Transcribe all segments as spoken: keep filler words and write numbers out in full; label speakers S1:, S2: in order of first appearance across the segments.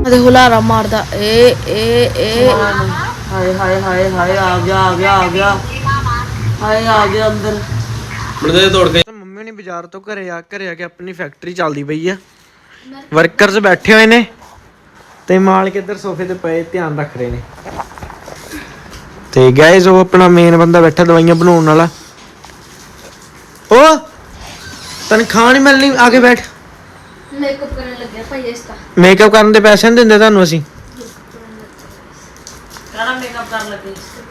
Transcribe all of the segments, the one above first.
S1: देखो लारा मारदा ए ए ए
S2: हाय हाय हाय हाय आ गया आ गया आ गया हाय आ गया अंदर बड़े दौड़ के मम्मी ने बाजार तो घरे आ घरे आके अपनी फैक्ट्री चलदी पई है वर्कर्स बैठे हुए ने ते मालिक इधर सोफे ते पए ध्यान रख रहे ने ते गाइस वो अपना मेन बंदा बैठा दवाइयां बनाने वाला ओ तनखाह नहीं मिलनी आगे बैठ
S1: मेकअप करने लग गया भाई इसका
S2: मेकअप करने दे पैसे नहीं दिंदे ਤੁਹਾਨੂੰ ਅਸੀਂ
S3: ਕਾਹਦਾ ਮੇਕਅਪ ਕਰਨ ਲੱਗੇ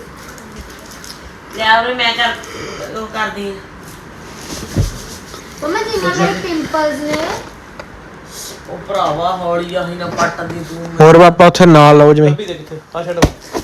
S3: ਲੈ ਆਵੇ ਮੈਂ ਕਰ ਉਹ ਕਰਦੀ
S1: मम्मा जी ना मेरे पिंपल्स ने
S3: ਉਹ ਭਰਾਵਾ ਹੌਲੀ ਆਹੀ ਨਾ ਪੱਟ ਦੀ ਤੂੰ
S2: ਹੋਰ ਪਾਪਾ ਉੱਥੇ ਨਾਲ ਲਓ ਜਿਵੇਂ ਆ ਛੱਡੋ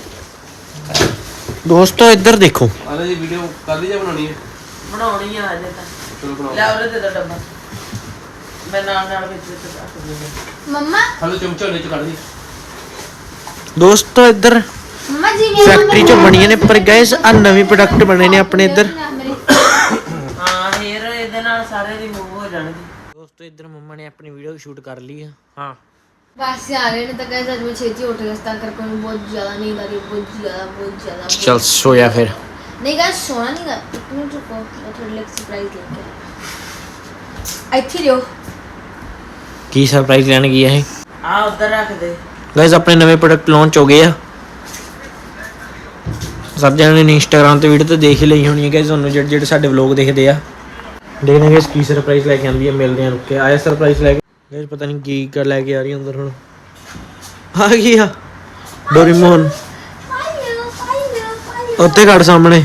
S2: ਦੋਸਤੋ ਇੱਧਰ ਦੇਖੋ
S4: ਆਲੇ ਜੀ ਵੀਡੀਓ ਕਰ ਲਈ ਜਾਂ ਬਣਾਉਣੀ ਹੈ
S3: ਬਣਾਉਣੀ ਆ ਹਜੇ ਤਾਂ
S4: ਚਲੋ ਬਣਾਓ
S3: ਲੈ ਉਹਦੇ ਦੇ ਡੱਬਾ ਮੈਂ ਨਾਲ ਨਾਲ ਵਿੱਚ ਵਿੱਚ ਰੱਖ ਦਿੰਦੀ
S1: मम्मा
S4: ਹਲੋ ਚਮਚਾ ਵਿੱਚ ਕੱਢ ਦੀ
S2: ਦੋਸਤੋ ਇੱਧਰ
S1: मम्मा जी
S2: ਫੈਕਟਰੀ ਚ ਬਣੀਆਂ ਨੇ ਪਰ ਗਾਇਸ ਆ ਨਵੇਂ ਪ੍ਰੋਡਕਟ ਬਣੇ ਨੇ ਆਪਣੇ ਇੱਧਰ
S3: ਹਾਂ ਹੇਅਰ ਇਹਦੇ ਨਾਲ ਸਾਰੇ ਰਿਮੂਵ ਹੋ ਜਾਣਗੇ
S2: ਦੋਸਤੋ ਇੱਧਰ ਮੰਮਾ ਨੇ ਆਪਣੀ ਵੀਡੀਓ ਸ਼ੂਟ ਕਰ ਲਈ ਹੈ ਹਾਂ
S1: बस आ रहे ने तो गाइस आज मैं छेती उठ गया था कर कोई बहुत ज्यादा नींद आ रही है बहुत ज्यादा बहुत ज्यादा
S2: चल सोया फिर
S1: नहीं गाइस सोना नहीं गा एक मिनट रुको मैं थोड़ी लेक सरप्राइज लेके आई थी रियो
S2: ਕੀ ਸਰਪ੍ਰਾਈਜ਼ ਲੈਣ ਗਈ ਹੈ
S3: ਆ ਉਧਰ ਰੱਖ ਦੇ
S2: ਗਾਇਸ ਆਪਣੇ ਨਵੇਂ ਪ੍ਰੋਡਕਟ ਲਾਂਚ ਹੋ ਗਏ ਆ ਸਭ ਜਣਿਆਂ ਨੇ ਇੰਸਟਾਗ੍ਰਾਮ ਤੇ ਵੀਡੀਓ ਤੇ ਦੇਖ ਹੀ ਲਈ ਹੋਣੀ ਹੈ ਗਾਇਸ ਤੁਹਾਨੂੰ ਜਿਹੜੇ ਜਿਹੜੇ ਸਾਡੇ ਵਲੌਗ ਦੇਖਦੇ ਆ ਦੇਖਦੇ ਹਾਂ ਕੀ ਸਰਪ੍ਰਾਈਜ਼ ਲੈ ਕੇ ਆਂਦੀ ਹੈ ਮਿਲਦੇ ਆ ਰੁੱਕ ਕੇ ਆਇਆ ਸਰਪ੍ਰਾਈਜ਼ ਲੈ ਕੇ ਗਾਇਸ ਪਤਾ ਨਹੀਂ ਕੀ ਕਰ ਲੈ ਕੇ ਆ ਰਹੀ ਅੰਦਰ ਹੁਣ ਆ ਗਈ ਆ ਡੋਰੀਮੋਨ ਉੱਤੇ ਘੜ ਸਾਹਮਣੇ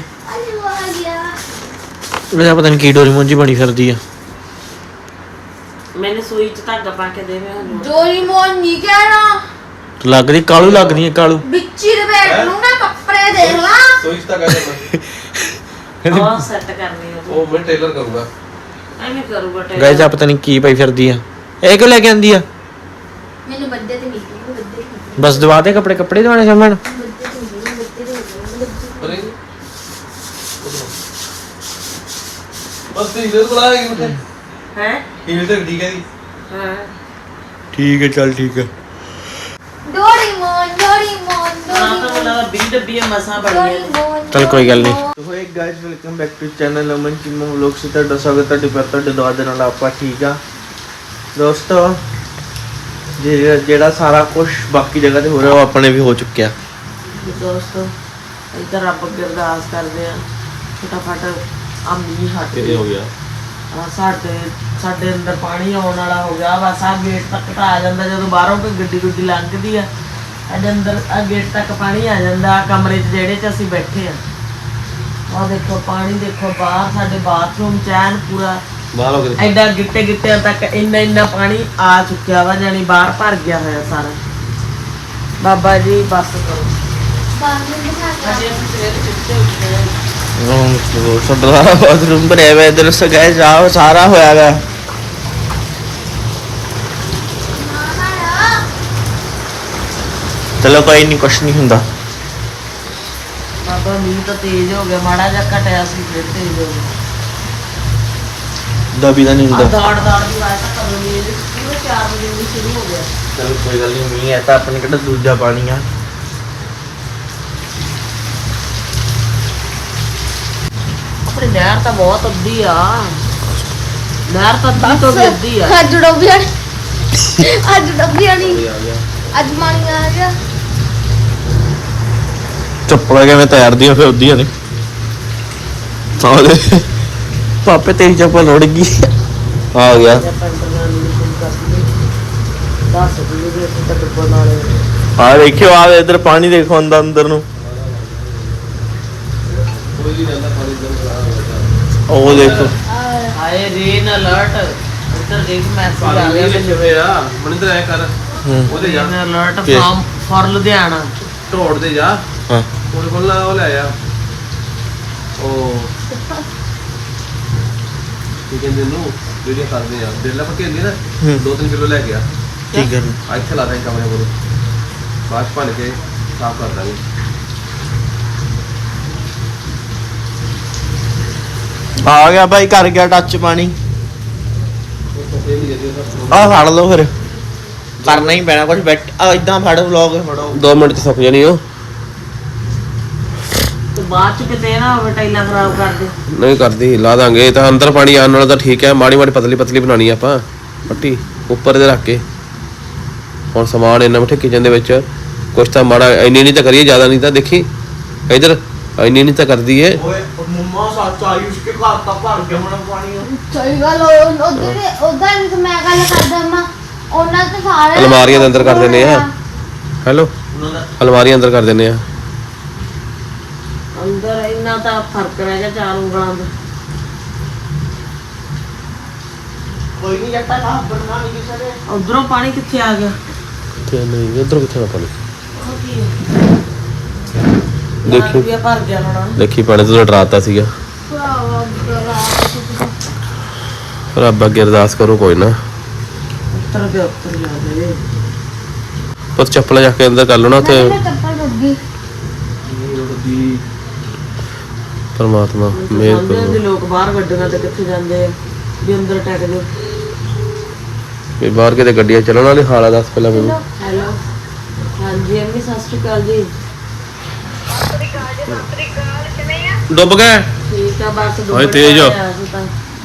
S2: ਮੇਰਾ ਪਤਾ ਨਹੀਂ ਕੀ ਡੋਰੀਮੋਨ ਜੀ ਬਣੀ ਫਿਰਦੀ ਆ
S3: ਮੈंने ਸੂਈ ਚ ਧਾਗਾ ਪਾ ਕੇ ਦੇਵੇ ਉਹਨੂੰ
S1: डोरेमोन नहीं कहना
S2: ਲੱਗਦੀ ਕਾਲੂ ਲੱਗਦੀ ਹੈ ਕਾਲੂ
S1: बिच्ची दे बैठ लूं ना कपड़े देख ला
S4: ਸੋਈ ਤਾਂ ਕਰ ਦੇਣਾ
S3: ਉਹ ਸੈੱਟ ਕਰਨੀ ਉਹ
S4: ਉਹ ਮੈਂ ਟੇਲਰ ਕਰੂੰਗਾ
S3: ਐਵੇਂ ਕਰੂਗਾ ਟੇਲਰ
S2: ਗਾਇਸ ਆ ਪਤਾ ਨਹੀਂ ਕੀ ਪਈ ਫਿਰਦੀ ਆ ਇਹ ਕਿਉਂ ਲੈ ਕੇ ਆਂਦੀ ਆ
S1: मैंने बर्थडे ते मिली है बर्थडे ते
S2: ਬਸ ਦਵਾ ਦੇ ਕੱਪੜੇ ਕੱਪੜੇ ਦਵਾਣੇ ਸਾਹਮਣ
S1: बर्थडे ते मिली बर्थडे ते
S4: ਅਰੇ ਬਸ ਤੇ ਇਧਰ ਕੋਲ ਆਏਗੀ ਮੁੱਠੇ
S3: ਹੈ
S4: ਇਹ ਤਾਂ ਠੀਕ ਹੈ ਜੀ
S3: ਹਾਂ
S2: ਠੀਕ ਹੈ ਚੱਲ ਠੀਕ ਹੈ
S1: डोरेमोन डोरेमोन
S3: ਹਾਂ ਤਾਂ ਉਹਨਾਂ ਦਾ ਵੀਹ ਡੱਬੀਆਂ ਮਸਾਂ ਬਣੀਆਂ ਨੇ
S1: डोरेमोन
S2: ਚਲ ਕੋਈ ਗੱਲ ਨਹੀਂ so hey guys welcome back to channel Aman Chimmu vlog ਸੇ ਤੁਹਾਡਾ ਸਵਾਗਤ ਹੈ ਤੁਹਾਡੇ ਤੁਹਾਡੇ ਦੁਆ ਦੇ ਨਾਲ ਆਪਾਂ ਠੀਕ ਆ ਦੋਸਤੋ ਜਿਹੜਾ ਜਿਹੜਾ ਸਾਰਾ ਕੁਝ ਬਾਕੀ ਜਗ੍ਹਾ ਤੇ ਹੋ ਰਿਹਾ ਉਹ ਆਪਣੇ ਵੀ ਹੋ ਚੁੱਕਿਆ
S3: ਦੋਸਤੋ ਇੱਧਰ ਰੱਬ ਅੱਗੇ ਅਰਦਾਸ ਕਰਦੇ ਆ ਫਟਾਫਟ ਆ ਮੀਂਹ ਹਟ
S4: ਇਹ ਹੋ ਗਿਆ
S3: ਆ ਸਾਡੇ ਸਾਡੇ ਅੰਦਰ ਪਾਣੀ ਆਉਣ ਵਾਲਾ ਹੋ ਗਿਆ ਬਸ ਆ ਗੇਟ ਤੱਕ ਤਾਂ ਆ ਜਾਂਦਾ ਜਦੋਂ ਬਾਹਰੋਂ ਕੋਈ ਗੱਡੀ ਗੁੱਡੀ ਲੰਘਦੀ ਆ ਸਾਡੇ ਅੰਦਰ ਆ ਗੇਟ ਤੱਕ ਪਾਣੀ ਆ ਜਾਂਦਾ ਆ ਕਮਰੇ 'ਚ ਜਿਹੜੇ 'ਚ ਅਸੀਂ ਬੈਠੇ ਆ ਆਹ ਦੇਖੋ ਪਾਣੀ ਦੇਖੋ ਬਾਹਰ ਸਾਡੇ ਬਾਥਰੂਮ ਚੈਨ ਪੂਰਾ
S4: ਬਾਹਰ ਹੋ ਗਿਆ
S3: ਐਡਾ ਗਿੱਟੇ ਗਿੱਟਿਆਂ ਤੱਕ ਇੰਨਾ ਇੰਨਾ ਪਾਣੀ ਆ ਚੁੱਕਿਆ ਵਾ ਜਾਨੀ ਬਾਹਰ ਭਰ ਗਿਆ ਹੋਇਆ ਸਾਰਾ ਬਾਬਾ ਜੀ ਬਸ ਕਰੋ ਅਜੇ ਅਸੀਂ ਸਵੇਰੇ ਚਿੱਟੇ ਉੱਠੇ ਆ
S2: ਉਹ ਸਾਡਾ ਬਾਥਰੂਮ ਬਣਿਆ ਹੋਇਆ ਇਧਰ ਸੇ ਗਾਇਸ ਆ ਸਾਰਾ ਹੋਇਆ ਵਾ ਚਲੋ ਕੋਈ ਨਹੀਂ ਕੁਛ ਨਹੀਂ ਹੁੰਦਾ
S3: ਬਾਬਾ ਮੀਂਹ ਤਾਂ ਤੇਜ਼ ਹੋ ਗਿਆ ਮਾੜਾ ਜਿਹਾ ਘਟਿਆ ਸੀ ਫਿਰ ਤੇਜ਼ ਹੋ ਗਿਆ
S2: ਦਬੀ ਦਾ ਨਹੀਂ
S3: ਆ
S2: ਹੁੰਦਾ
S3: ਦਾੜ ਦਾੜ ਦੀ ਆਵਾਜ਼ ਤਾਂ ਕਦੋਂ ਨਹੀਂ ਇਹ ਪੂਰੇ ਚਾਰ ਵਜੇ ਵੀ ਸ਼ੁਰੂ ਹੋ ਗਿਆ
S2: ਚਲੋ ਕੋਈ ਗੱਲ ਨਹੀਂ ਮੀਂਹ ਹੈ ਤਾਂ ਆਪਣੇ ਕਿਹੜਾ ਦੂਜਾ ਪਾਣੀ ਆ
S3: ਆਪਣੀ ਨਹਿਰ ਤਾਂ ਬਹੁਤ ਅੱਧੀ ਆ ਨਹਿਰ ਤਾਂ ਅੱਧੀ ਤੋਂ ਵੀ ਅੱਧੀ ਆ
S1: आज डोबिया आज डोबिया नहीं आज मानी आ गया
S2: ਚੱਪਲਾਂ ਕਿਵੇਂ ਤੈਰਦੀਆਂ ਫਿਰ ਉਦੀਆਂ ਨੇ ਸਾਲੇ ਪਾਪੇ ਤੇਰੀ ਚੱਪਲ ਉੜ ਗਈ ਆ ਗਿਆ
S3: ਦੱਸ ਦਿਓ ਜੇ ਅਸੀਂ ਤਾਂ ਡੁੱਬਣ ਵਾਲੇ
S2: ਆ ਦੇਖਿਓ ਆ ਇਧਰ ਪਾਣੀ ਦੇਖੋ ਅੰਦਰ ਅੰਦਰ ਨੂੰ
S4: ਕੋਈ ਨਹੀਂ ਜਾਂਦਾ ਪਾਣੀ ਇਧਰ
S2: ਉਹ ਦੇਖੋ
S3: ਹਾਏ ਰੇਨ ਅਲਰਟ ਉੱਧਰ ਦੇਖ ਮੈਸੇਜ ਆ
S4: ਪਾਣੀ
S3: ਗਿਆ
S4: ਨਹੀਂ ਲਿਖੇ ਹੋਇਆ ਮਨਿੰਦਰ ਐ ਕਰ
S2: ਹੂੰ
S4: ਉਹਦੇ ਜਾ
S3: ਰੇਨ ਅਲਰਟ
S2: ਕੀ?
S3: ਫਰਮ ਫॉर ਲੁਧਿਆਣਾ
S4: ਢੋੜ ਦੇ ਜਾ
S2: ਹਾਂ
S4: ਕੋਲ ਕੋਲ ਉਹ ਲੈ ਆ ਉਹ ਕੀ ਕਹਿੰਦੇ ਨੂੰ ਵੀਡੀਓ ਕਰਦੇ ਆ ਬਿਰਲਾ ਪੱਕੇ ਹੁੰਦੀ ਨਾ
S2: ਹੂੰ।
S4: ਦੋ ਤਿੰਨ ਕਿਲੋ ਲੈ ਗਿਆ
S2: ਠੀਕ ਹੈ
S4: ਆ ਇੱਥੇ ਲਾ ਦੇ ਕਮਰੇ ਕੋਲ ਬਾਅਦ 'ਚ ਭੰਨ ਕੇ ਸਾਫ਼ ਕਰ ਦਾਂਗੇ
S2: ਆ ਗਿਆ ਭਾਈ ਕਰ ਗਿਆ ਟੱਚ ਪਾਣੀ
S4: ਇਹ ਨਹੀਂ ਜਦੇ
S2: ਆ ਫੜ ਲਓ ਫਿਰ ਕਰਨਾ ਹੀ ਪੈਣਾ ਕੁਝ ਬੈਠ ਇਦਾਂ ਫੜ ਵਲੌਗ ਫੜੋ
S4: ਦੋ ਮਿੰਟ ਚ ਸੁੱਕ ਜਾਣੀ ਉਹ।
S3: ਤੇ ਬਾਅਦ ਚ ਕਿਤੇ ਨਾ ਹੋਵੇ ਟਾਈਲਾਂ ਖਰਾਬ ਕਰ ਦੇ।
S4: ਨਹੀਂ ਕਰਦੀ, ਲਾ ਦਾਂਗੇ। ਤਾਂ ਅੰਦਰ ਪਾਣੀ ਆਉਣ ਵਾਲਾ ਤਾਂ ਠੀਕ ਹੈ, ਮਾੜੀ ਮਾੜੀ ਪਤਲੀ ਪਤਲੀ ਬਣਾਉਣੀ ਆਪਾਂ ਪੱਟੀ ਉੱਪਰ ਦੇ ਰੱਖ ਕੇ। ਹੁਣ ਸਮਾਨ ਇੰਨਾ ਮਿੱਠੇ ਕਿਚਨ ਦੇ ਵਿੱਚ ਕੁਛ ਤਾਂ ਮਾੜਾ ਇੰਨੀ ਨਹੀਂ ਤਾਂ ਕਰੀਏ, ਜ਼ਿਆਦਾ ਨਹੀਂ ਤਾਂ ਦੇਖੀ ਇਧਰ ਇੰਨੀ ਨਹੀਂ ਤਾਂ ਕਰਦੀ ਏ।
S2: ਓਏ ਮੰਮਾ ਸੱਚ ਆਯੂਸ਼ ਕੇ ਘਰ ਤਾਂ ਭਰ ਕੇ ਹੁਣ ਪਾਣੀ।
S1: ਸਹੀ ਗੱਲ ਉਧਰ ਉਧਰ ਮੈਂ ਗੱਲ ਕਰਦਾ ਮਾਂ ਉਹਨਾਂ ਤੇ ਸਾਰੇ
S4: ਅਲਮਾਰੀਆਂ ਦੇ ਅੰਦਰ ਕਰ ਦਿੰਦੇ ਆ। ਹੈਲੋ, ਅਲਮਾਰੀਆਂ ਅੰਦਰ ਕਰ ਦਿੰਦੇ ਆ।
S3: ਅੰਦਰ ਇੰਨਾ ਤਾਂ ਫਰਕ ਰਹਿ ਗਿਆ ਚਾਰ ਉਂਗਲਾਂ ਦਾ।
S2: ਕੋਈ ਨਹੀਂ ਜੱਟਾ ਨਾ ਬਣਨਾ ਨਹੀਂ ਕਿਸੇ ਦੇ।
S3: ਉਧਰੋਂ ਪਾਣੀ ਕਿੱਥੇ ਆ ਗਿਆ?
S4: ਤੇ ਨਹੀਂ ਉਧਰ ਕਿੱਥੇ ਨਾ ਪਾਣੀ
S3: ਉਹ ਕੀ ਹੈ?
S4: ਦੇਖੀ
S3: ਵੀ ਭਰ ਗਿਆ ਹੋਣਾ।
S4: ਦੇਖੀ ਪਾਣੀ ਤੋਂ ਡਰਾਤਾ ਸੀਗਾ। ਰੱਬ ਅੱਗੇ ਅਰਦਾਸ ਕਰੋ ਕੋਈ ਨਾ
S3: ਉੱਤਰ ਗਿਆ ਉੱਤਰ ਜਾ
S4: ਪਰ ਚੱਪਲਾਂ ਜਾ ਕੇ ਅੰਦਰ ਕਰ ਲਓ ਨਾ ਉੱਥੇ।
S1: ਚੱਪਲ ਟੁੱਟ ਗਈ।
S4: ਪਰਮਾਤਮਾ ਮਿਹਰ
S3: ਸਮਝਦੇ
S4: ਕਰੋ
S3: ਲੋਕ ਬਾਹਰ ਗੱਡੀਆਂ ਤੇ ਕਿੱਥੇ ਜਾਂਦੇ ਆ ਵੀ ਅੰਦਰ ਟੈਕ ਦੇ।
S4: ਵੀ ਬਾਹਰ ਕਿਤੇ ਗੱਡੀਆਂ ਚੱਲਣ ਵਾਲੀ ਹਾਲ ਆ। ਦੱਸ ਪਹਿਲਾਂ ਮੈਨੂੰ।
S3: ਹੈਲੋ, ਹਾਂਜੀ ਅੰਮੀ ਸਤਿ ਸ਼੍ਰੀ ਅਕਾਲ ਜੀ।
S4: ਡੁੱਬ ਗਏ।
S3: ਠੀਕ ਆ ਬਸ ਡੁੱਬਣ
S4: ਹਾਏ ਤੇਜ਼ ਆ।
S3: ਵਾਲੇ ਅਸੀਂ ਤਾਂ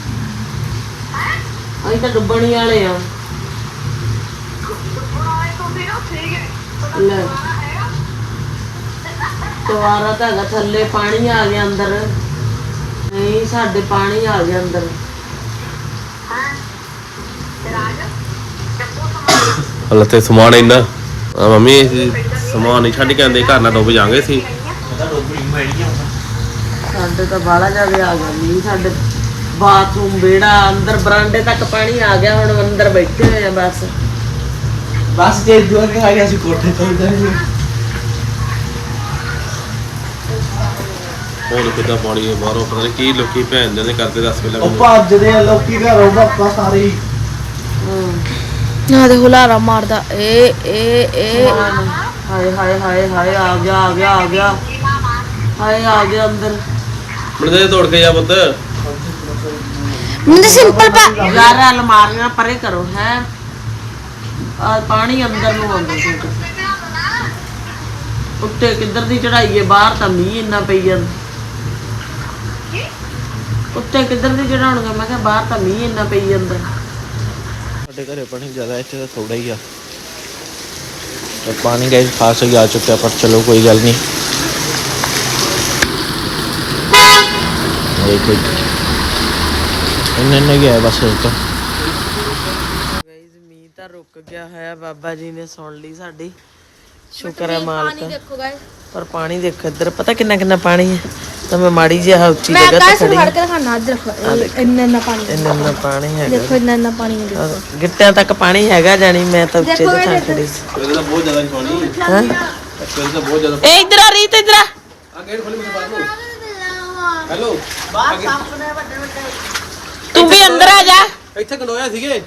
S3: ਅਸੀਂ ਤਾਂ ਡੁੱਬਣ ਹੀ ਵਾਲੇ ਆ। ਲੈ ਦੁਬਾਰਾ ਤਾਂ ਹੈਗਾ ਥੱਲੇ ਪਾਣੀ ਆ ਗਿਆ ਅੰਦਰ। ਨਹੀਂ ਸਾਡੇ ਪਾਣੀ ਆ ਗਿਆ ਅੰਦਰ।
S4: ਹਲੇ ਤੇ ਸਮਾਨ ਇੰਨਾ ਆ ਮੰਮੀ ਸਮਾਨ ਨਹੀਂ ਛੱਡ ਕੇ ਆਂਦੇ ਘਰ ਨਾਲ ਡੁੱਬ ਜਾਾਂਗੇ ਸੀ।
S3: ਸਾਡੇ ਤਾਂ ਬਾਹਲਾ ਜਾਵੇ ਆ ਗਿਆ ਨਹੀਂ। ਸਾਡੇ ਬਾਥਰੂਮ ਵਿਹੜਾ ਅੰਦਰ ਬਰਾਂਡੇ ਤੱਕ ਪਾਣੀ ਆ ਗਿਆ। ਹੁਣ ਅੰਦਰ ਬੈਠੇ ਹੋਏ ਆ ਬਸ।
S2: ਬਸ ਜੇ ਦੁਆ ਕੇ ਆ ਗਿਆ ਸੀ ਕੋਠੇ ਤੋਂ ਇਧਰ ਹੀ।
S4: ਹੋਰ ਕਿੱਦਾਂ ਪਾਣੀ ਹੈ ਬਾਹਰੋਂ ਪਤਾ ਨਹੀਂ ਕੀ ਲੋਕੀ ਭੈਣ ਦੇ ਨੇ ਕਰਦੇ। ਦੱਸ ਪਹਿਲਾਂ
S2: ਉਹ ਭੱਜਦੇ ਆ ਲੋਕੀ ਘਰੋਂ ਬਾਪਾ ਸਾਰੇ ਹੀ।
S1: ਨਾ ਦੇ ਹੁਲਾਰਾ ਮਾਰਦਾ ਏ ਏ ਏ।
S3: ਹਾਏ ਹਾਏ ਹਾਏ ਹਾਏ ਆ ਗਿਆ ਆ ਗਿਆ ਆ ਗਿਆ। ਹਾਏ ਆ ਗਿਆ ਅੰਦਰ।
S4: ਮੈਨੂੰ ਤੇ ਤੋੜ ਕੇ ਜਾ ਪੁੱਤ।
S1: ਮੈਨੂੰ ਸਿੰਪਲ ਪਾ
S3: ਯਾਰ ਅਲਮਾਰੀਆਂ ਪਰੇ ਕਰੋ ਹੈ। ਆ ਪਾਣੀ ਅੰਦਰ ਨੂੰ ਆਉਂਦਾ ਸੀ। ਉੱਤੇ ਕਿੱਧਰ ਦੀ ਚੜਾਈ ਹੈ? ਬਾਹਰ ਤਾਂ ਮੀਂਹ ਇੰਨਾ ਪਈ ਜਾਂਦਾ। ਉੱਤੇ ਕਿੱਧਰ ਦੀ ਚੜਾਉਣਗਾ? ਮੈਂ ਕਿਹਾ ਬਾਹਰ ਤਾਂ ਮੀਂਹ ਇੰਨਾ ਪਈ ਜਾਂਦਾ।
S2: ਸਾਡੇ ਘਰੇ ਪਾਣੀ ਜ਼ਿਆਦਾ ਇੱਥੇ ਤਾਂ ਥੋੜਾ ਹੀ ਆ। ਪਾਣੀ ਗੈਸ ਖਾਸ ਹੀ ਆ ਚੁੱਕਿਆ ਪਰ ਚਲੋ ਕੋਈ ਗੱਲ ਨਹੀਂ। ਦੇਖੋ ਇੰਨੇ ਇੰਨੇ ਗਿਆ ਬਸ ਤਾਂ।
S3: ਗਾਇਸ ਮੀਂਹ ਤਾਂ ਰੁਕ ਗਿਆ ਹੈ। ਬਾਬਾ ਜੀ ਨੇ ਸੁਣ ਲਈ ਸਾਡੀ। ਸ਼ੁਕਰ ਹੈ ਮਾਲਕ।
S1: ਦੇਖੋ ਗਾਇਸ
S3: ਪਰ ਪਾਣੀ ਦੇਖੋ ਇੱਧਰ ਪਤਾ ਕਿੰਨਾ ਕਿੰਨਾ ਪਾਣੀ ਹੈ। ਤਾਂ ਮੈਂ ਮਾੜੀ ਜਿਹੀ ਉੱਚੀ ਜਗ੍ਹਾ ਤੇ ਖੜੀ
S1: ਫੜ ਕੇ ਦਿਖਾਣਾ। ਇੱਧਰ ਦੇਖੋ ਇੰਨਾ ਇੰਨਾ ਪਾਣੀ।
S3: ਇੰਨਾ ਇੰਨਾ ਪਾਣੀ ਹੈਗਾ।
S1: ਦੇਖੋ ਇੰਨਾ ਇੰਨਾ ਪਾਣੀ ਹੈ। ਦੇਖੋ
S3: ਗਿੱਟਿਆਂ ਤੱਕ ਪਾਣੀ ਹੈਗਾ ਜਾਨੀ। ਮੈਂ ਤਾਂ ਉੱਚੇ ਤੇ ਥਾਂ ਖੜੀ ਸੀ।
S4: ਇਹਦੇ ਤਾਂ ਬਹੁਤ ਜ਼ਿਆਦਾ ਪਾਣੀ
S3: ਹਾਂ
S4: ਇਹਦੇ ਤਾਂ ਬਹੁਤ ਜ਼ਿਆਦਾ।
S3: ਇਹ ਇੱਧਰ ਆ ਰੀਤ ਇੱਧਰ ਆ।
S4: ਆ ਗੇਟ ਖੋਲੀ ਮੇਰੇ ਬਾਹਰ ਨੂੰ। ਹੈਲੋ
S3: ਬਾਹਰ ਸਾਹਮਣੇ ਵੱਡੇ ਵੱਡੇ। ਤੂੰ ਵੀ ਅੰਦਰ ਆ ਜਾ।
S4: ਇੱਥੇ ਗੰਡੋਇਆ ਸੀਗੇ।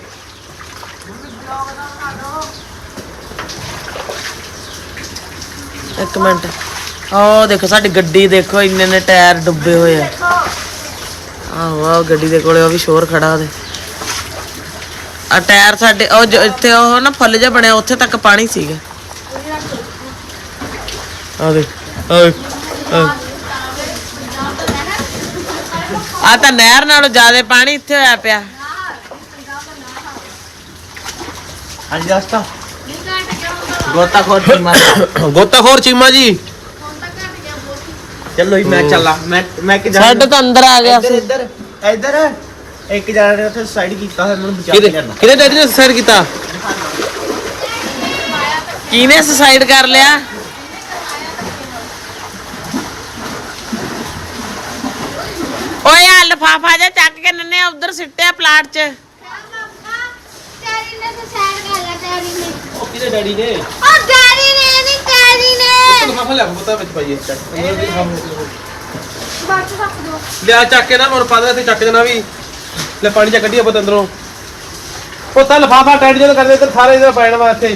S3: ਇੱਕ ਮਿੰਟ। ਆਹ ਦੇਖੋ ਸਾਡੀ ਗੱਡੀ ਦੇਖੋ ਇੰਨੇ ਨੇ ਟਾਇਰ ਡੁੱਬੇ ਹੋਏ ਆ। ਆਹੋ ਆਹ ਗੱਡੀ ਦੇ ਕੋਲੇ ਉਹ ਵੀ ਸ਼ੋਰ ਖੜਾ ਉਹਦੇ। ਆ ਟਾਇਰ ਸਾਡੇ ਉਹ ਇੱਥੇ ਉਹ ਨਾ ਫੁੱਲ ਜਿਹਾ ਬਣਿਆ ਉੱਥੇ ਤੱਕ ਪਾਣੀ ਸੀਗਾ। ਆ ਦੇਖ ਆ ਤਾਂ ਨਹਿਰ ਨਾਲੋਂ ਜ਼ਿਆਦਾ ਪਾਣੀ ਇੱਥੇ ਹੋਇਆ ਪਿਆ।
S2: ਹਾਂਜੀ ਦੋਸਤੋ ਗੋਤਾਖੋਰ ਚੀਮਾ
S4: ਗੋਤਾਖੋਰ ਚੀਮਾ ਜੀ।
S2: ਚਲੋ ਜੀ ਮੈਂ ਚੱਲਾਂ। ਮੈਂ ਮੈਂ ਕਿ
S3: ਸਾਡੇ ਤਾਂ ਅੰਦਰ ਆ ਗਿਆ ਸੀ।
S2: ਇੱਧਰ ਇੱਧਰ ਇੱਕ ਜਣਾ ਨੇ ਉੱਥੇ ਸਾਈਡ ਕੀਤਾ ਹੋਇਆ ਮੈਨੂੰ ਬਚਾ ਕੇ
S4: ਕਿਹਦੇ
S2: ਲਿਆਂਦਾ।
S4: ਕਿਹਦੇ ਡੈਡੀ ਨੇ ਸੁਸਾਈਡ ਕੀਤਾ?
S3: ਕਿਹਨੇ ਸੁਸਾਈਡ ਕਰ ਲਿਆ? ਓਏ ਆ ਲਫਾਫਾ ਜਿਹਾ ਚੱਕ ਕੇ ਨੰਨੇ ਉਧਰ ਸਿੱਟਿਆ ਪਲਾਟ 'ਚ।
S1: ਤੇਰੀ ਨੇ ਤਾਂ ਸੈਰ ਕਰ ਲਿਆ ਤੇਰੀ ਨੇ।
S4: ਉਹ ਕਿਹਦੇ ਡੈਡੀ ਨੇ?
S1: ਉਹ ਡੈਡੀ ਨੇ ਨਹੀਂ ਤੇਰੀ ਨੇ।
S4: ਲਿਫਾਫਾ ਲਿਆ ਪਤਾ ਵਿੱਚ ਪਾਈਏ।
S1: ਬਾਅਦ ਚ ਰੱਖ ਦੋ।
S4: ਲਿਆ ਚੱਕ ਕੇ ਨਾ ਹੁਣ ਪਾ ਦੇ ਇੱਥੇ ਚੱਕ ਦੇਣਾ ਵੀ। ਲੈ ਪਾਣੀ ਚ ਕੱਢੀ ਆਪਾਂ ਅੰਦਰੋਂ। ਉਹ ਤਾਂ ਲਿਫਾਫਾ ਟੈਂਟ ਜਦੋਂ ਕਰਦੇ ਇੱਧਰ ਸਾਰੇ ਇਧਰ ਪੈਣ ਵਾਸਤੇ।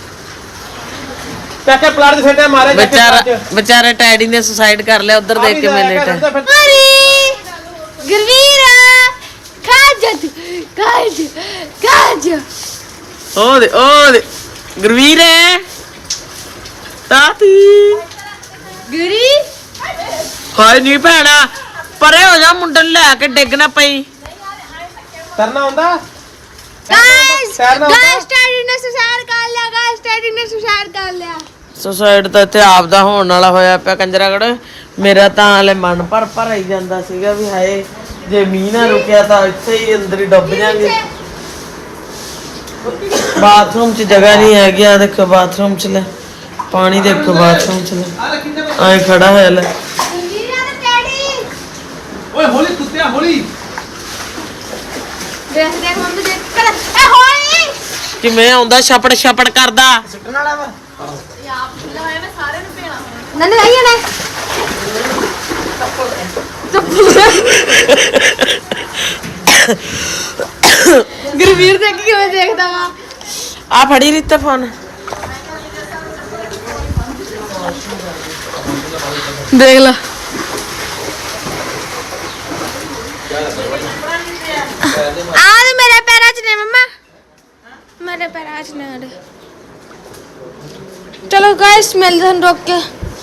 S4: ਚੱਕ ਕੇ ਪਲਾਟ ਦੇ ਫੇਟੇ ਮਾਰੇ ਚੱਕ ਕੇ
S3: ਵਿਚਾਰਾ
S4: ਪਲਾਟ ਚ।
S3: ਵਿਚਾਰੇ ਟੈਡੀ ਨੇ ਸੁਸਾਈਡ ਕਰ ਲਿਆ ਉਧਰ ਦੇਖ ਕੇ ਮੈਂ ਲੇਟਾ।
S1: ਹਰੀ ਗੁਰਵੀਰ ਕਾਜ ਕਾਜ ਕਾਜ।
S4: ਉਹ ਦੇ ਉਹ ਦੇ
S3: ਗੁਰਵੀਰ ਤਾਤੀ
S1: ਗਿਰੀ
S3: ਹਾਏ ਨਹੀਂ ਭੈਣਾ ਪਰੇ ਹੋ ਜਾ ਮੁੰਡੇ ਨੂੰ ਲੈ ਕੇ ਡਿੱਗ ਨਾ ਪਈ
S2: ਕਰਨਾ ਹੁੰਦਾ
S1: ਗਾਇਸ
S2: ਤੈਰਨਾ
S1: ਗਾਇਸ ਡੈਡੀ ਨੇ ਸੁਸਾਇਡ ਕਰ ਲਿਆ ਗਾਇਸ ਡੈਡੀ ਨੇ ਸੁਸਾਇਡ ਕਰ ਲਿਆ
S3: ਸੁਸਾਈਡ ਤਾਂ ਇੱਥੇ ਆਪ ਦਾ ਹੋਣ ਵਾਲਾ ਹੋਇਆ ਪਿਆ ਕੰਜਰਾਗੜ ਮੇਰਾ ਤਾਂ ਹਲੇ ਮਨ ਭਰ ਭਰ ਆਈ ਜਾਂਦਾ ਸੀਗਾ ਵੀ ਹਾਏ ਜੇ ਮੀਂਹ ਨਾ ਰੁਕਿਆ ਤਾਂ ਇੱਥੇ ਹੀ ਅੰਦਰ ਹੀ ਡੁੱਬ ਜਾਾਂਗੇ ਬਾਥਰੂਮ 'ਚ ਜਗ੍ਹਾ ਨਹੀਂ ਹੈਗੀ ਆ ਦੇਖੋ ਬਾਥਰੂਮ 'ਚ ਲੈ ਪਾਣੀ ਦੇਖੋ ਬਾਥਰੂਮ 'ਚ ਲੈ ਆਏ ਖੜਾ ਹੋਇਆ ਲੈ
S1: ਗਿਰੀ ਆ ਡੈਡੀ
S2: ਓਏ ਹੋਲੀ ਕੁੱਤਿਆ ਹੋਲੀ
S1: ਦੇਖ ਦੇਖ ਮੰਮੀ ਦੇਖ ਕਰ ਏ ਹੋਈ
S3: ਕਿਵੇਂ ਆਉਂਦਾ ਛਪੜ ਛਪੜ ਕਰਦਾ
S2: ਸੁੱਟਣ ਵਾਲਾ ਵਾ
S1: ਨੰਨੇ ਆਈਏ ਨੇ ਗੁਰਵੀਰ ਦੇਖ ਕਿਵੇਂ ਦੇਖਦਾ ਵਾ
S3: ਆ ਫੜੀ ਰਿੱਤੇ ਫੋਨ
S1: ਦੇਖ ਲਾ ਆਹ ਮੇਰੇ ਪੈਰਾਂ 'ਚ ਨੇ ਮੰਮਾ ਮੇਰੇ ਪੈਰਾਂ 'ਚ ਨੇ ਚਲੋ ਗਾਇਸ ਮਿਲਦੇ ਹਾਂ ਰੁਕ ਕੇ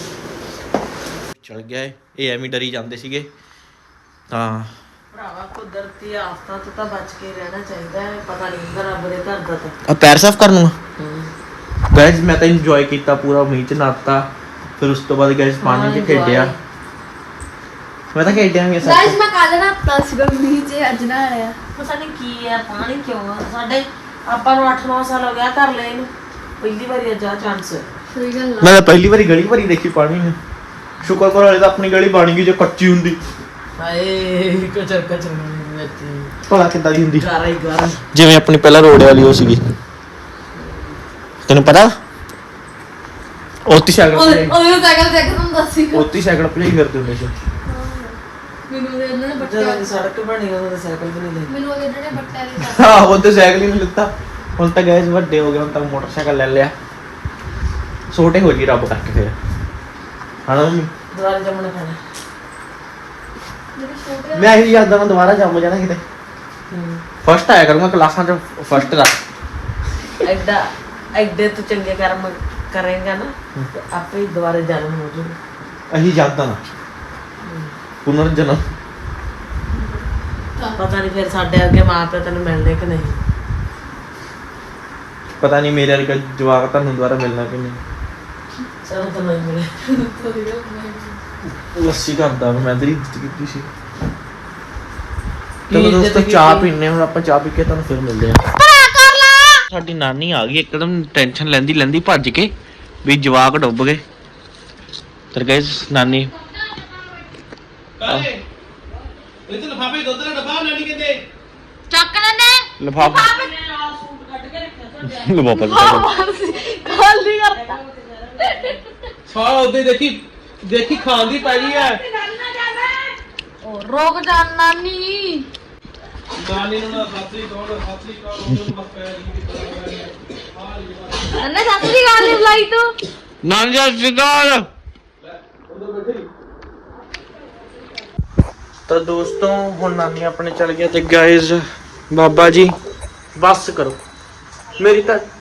S2: ਚਲ ਗਿਆ ਏ। ਇਹ ਐਵੇਂ ਡਰੀ ਜਾਂਦੇ ਸੀਗੇ ਤਾਂ
S3: ਭਰਾਵਾ ਕੁਦਰਤੀ ਆਫਤਾਂ ਤੋਂ ਤਾਂ ਬਚ ਕੇ ਰਹਿਣਾ ਚਾਹੀਦਾ ਹੈ ਪਤਾ ਨਹੀਂ ਹੁੰਦਾ ਰੱਬ ਦੇ ਘਰ ਦਾ ਤਾਂ
S2: ਆ ਪੈਰ ਸਾਫ਼ ਕਰ ਲੂੰਗਾ ਗਾਇਸ ਮੈਂ ਤਾਂ ਇੰਜੋਏ ਕੀਤਾ ਪੂਰਾ ਮੀਂਹ ਚ ਨਾਤਾ ਫਿਰ ਉਸ ਤੋਂ ਬਾਅਦ ਗਾਇਸ ਪਾਣੀ 'ਚ ਖੇਡਿਆ ਮੈਂ ਤਾਂ ਖੇਡਿਆ ਵੀ ਸਭ
S1: ਗਾਇਸ ਮੈਂ ਕੱਲ ਨਾਤਾ ਸੀਗਾ ਮੀਂਹ 'ਚ ਅੱਜ ਨਾ ਆਇਆ
S3: ਪਤਾ ਨਹੀਂ ਕੀ ਹੈ ਪਾਣੀ ਕਿਉਂ ਆ ਸਾਡੇ ਆਪਾਂ ਨੂੰ ਅੱਠ ਨੌ ਸਾਲ ਹੋ ਗਿਆ ਘਰ ਲਏ ਨੂੰ ਪਹਿਲੀ ਵਾਰੀ ਅੱਜ ਆ ਚਾਂਸ
S1: ਸਹੀ ਗੱਲ
S2: ਮੈਂ ਤਾਂ ਪਹਿਲੀ ਵਾਰੀ ਗਲੀ ਭਰੀ ਦੇਖੀ ਪਾਣੀ ਨੂੰ ਸ਼ੁਕਰ ਕਰੋ ਹਲੇ ਤਾਂ ਆਪਣੀ ਗਲੀ ਬਣ ਗਈ ਜੇ ਕੱਚੀ ਹੁੰਦੀ
S3: ਹਾਏ ਕਚਰ ਕਚਰ ਵਿੱਚ
S2: ਭਲਾ ਕਿੱਦਾਂ ਦੀ ਹੁੰਦੀ
S3: ਗਾਰਾ ਹੀ ਗਾਰਾ
S2: ਜਿਵੇਂ ਆਪਣੀ ਪਹਿਲਾਂ ਰੋਡ ਵਾਲੀ ਉਹ ਸੀਗੀ ਤੈਨੂੰ ਪਤਾ ਉੱਤੀ ਸਾਈਕਲ
S1: ਓਏ ਓਏ ਸਾਈਕਲ ਦੇਖ ਤੁਹਾਨੂੰ ਦੱਸੀ
S2: ਉੱਤੀ ਸਾਈਕਲ ਭਜਾਈ ਫਿਰਦੇ ਹੁੰਦੇ ਸੀ
S1: ਮੈਨੂੰ ਉਹਦੇ ਇਹਨਾਂ ਨੇ ਬੱਟਾ
S3: ਜਦੋਂ ਦੀ ਸੜਕ ਬਣੀ ਉਦੋਂ ਤਾਂ ਸਾਈਕਲ ਵੀ ਨਹੀਂ ਲੈ
S1: ਮੈਨੂੰ ਉਹਦੇ ਇਹਨਾਂ ਨੇ ਬੱਟਾ ਦਿੱਤਾ
S2: ਹਾਂ ਉਹ ਤੇ ਸਾਈਕਲ ਹੀ ਨਹੀਂ ਲਿੱਤਾ ਹੁਣ ਤਾਂ ਗਾਇਸ ਵੱਡੇ ਹੋ ਗਏ ਹੁਣ ਤਾਂ ਮੋਟਰਸਾਈਕਲ ਲੈ ਲਿਆ ਛੋਟੇ ਹੋ ਜੀ ਰੱਬ ਕਰਕੇ ਫਿਰ ਹਾਂ ਮੰਮੀ
S3: ਦੁਬਾਰਾ ਜੰਮਣਾ ਪੈਣਾ
S1: ਜਿਹੜੇ ਛੋਟੇ
S2: ਮੈਂ ਇਹੀ ਯਾਦਾਂ ਨਾਲ ਦੁਬਾਰਾ ਜੰਮ ਜਾਣਾ ਕਿਤੇ ਫਸਟ ਆਇਆ ਕਰੂੰਗਾ ਕਲਾਸਾਂ 'ਚ ਫਸਟ ਦਾ
S3: ਐਡਾ ਐਡੇ ਤੋਂ ਚੰਗੇ ਕਰਮ ਕਰੇਗਾ ਨਾ ਤੇ ਆਪੇ ਹੀ ਦੁਬਾਰਾ ਜਨਮ ਹੋ ਜਾਊਗਾ
S2: ਅਹੀ ਯਾਦਾਂ ਨਾ ਪੁਨਰ ਜਨਮ
S3: ਪਤਾ ਨਹੀਂ ਫਿਰ ਸਾਡੇ ਅੱਗੇ ਮਾਂ ਪਿਓ ਤੈਨੂੰ ਮਿਲਣੇ ਕਿ ਨਹੀਂ
S2: ਪਤਾ ਨਹੀਂ ਮੇਰੇ ਵਰਗਾ ਜਵਾਕ ਤੁਹਾਨੂੰ ਦੁਬਾਰਾ ਮਿਲਣਾ ਕਿ ਨਹੀਂ
S3: ਚਲੋ ਤਾਂ ਨਹੀਂ ਮਿਲੇ
S2: ਲੱਸੀ ਕਰਦਾ ਮੈਂ ਤੇਰੀ ਇੱਜ਼ਤ ਕੀਤੀ ਸੀ
S3: ਕੀ
S2: ਚਲੋ
S3: ਇੱਜ਼ਤ
S2: ਦੋਸਤੋ
S3: ਕੀਤੀ?
S2: ਚਾਹ ਪੀਣੇ ਹੁਣ ਆਪਾਂ ਚਾਹ ਪੀ ਕੇ ਤੁਹਾਨੂੰ ਫਿਰ ਮਿਲਦੇ ਆ
S1: ਕਰ ਲਾ
S2: ਸਾਡੀ ਨਾਨੀ ਆ ਗਈ ਇੱਕਦਮ ਟੈਨਸ਼ਨ ਲੈਂਦੀ ਲੈਂਦੀ ਭੱਜ ਕੇ ਵੀ ਜਵਾਕ ਡੁੱਬ ਗਏ ਤੇ ਗਾਇਸ ਨਾਨੀ
S4: ਇਹ ਤੇ ਲਫਾਫੇ ਦੁੱਧ ਦਾ ਡੱਬਾ ਨਾਨੀ ਕਹਿੰਦੇ
S1: ਚੱਕ ਲੈਂਦੇ
S2: ਲਿਫਾਫਾ ਲਿਫਾਫਾ
S1: ਕਾਲ ਨਹੀਂ ਕਰਦਾ
S4: ਸਾਰਾ ਉਹਦੇ ਦੇਖੀ ਦੇਖੀ ਖਾਣ ਦੀ ਪੈ ਗਈ ਹੈ
S1: ਉਹ ਰੋਕ ਜਾ ਨਾਨੀ
S4: ਨਾਨੀ ਨੂੰ ਨਾ ਸਾਥੀ ਤੋੜ ਸਾਥੀ ਕਾ ਉਹਨੂੰ ਮਤ ਪੈ ਗਈ
S1: ਨੰਨੇ ਸਾਸਰੀ ਗਾਲ ਨਹੀਂ ਬੁਲਾਈ ਤੂੰ
S2: ਨਾਨੀ ਜੀ ਸਿਕਾਰ ਤਾਂ ਦੋਸਤੋ ਹੁਣ ਨਾਨੀ ਆਪਣੇ ਚਲ ਗਿਆ ਤੇ ਗਾਇਜ਼ ਬਾਬਾ ਜੀ ਬੱਸ ਕਰੋ ਮੇਰੀ ਤਾਂ